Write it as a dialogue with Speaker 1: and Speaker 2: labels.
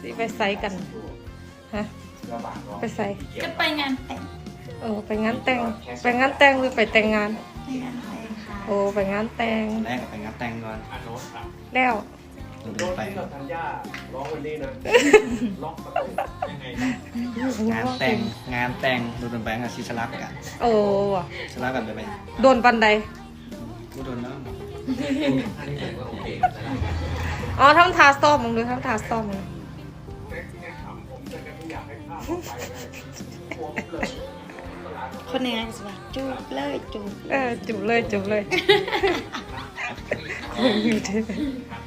Speaker 1: สิไปไซกันฮะไปไซ
Speaker 2: จะไปงานแต่ง
Speaker 1: ไปงานแต่งไปงานแต่งหรือไปแต่งงาน
Speaker 2: ไปงานแต่งค่ะ
Speaker 1: ไปงานแต่ง
Speaker 3: แรกไปงานแต่งก่อน
Speaker 1: แล้ว
Speaker 3: ดูไป
Speaker 4: ธัญญาร้องวันนี้นะล็อกประตูยังไง
Speaker 3: งานแต่งดูไปกับชิชลักกัน
Speaker 1: ว่ะ
Speaker 3: ชลักกันไป
Speaker 1: โดนปันใด
Speaker 3: กูโดนแล้ว
Speaker 1: ทำทาซ่อมมึงดูทำทาซ่อมมึง
Speaker 2: คนในงานสวัสดีจูบเลยจูบ
Speaker 1: จุบเลย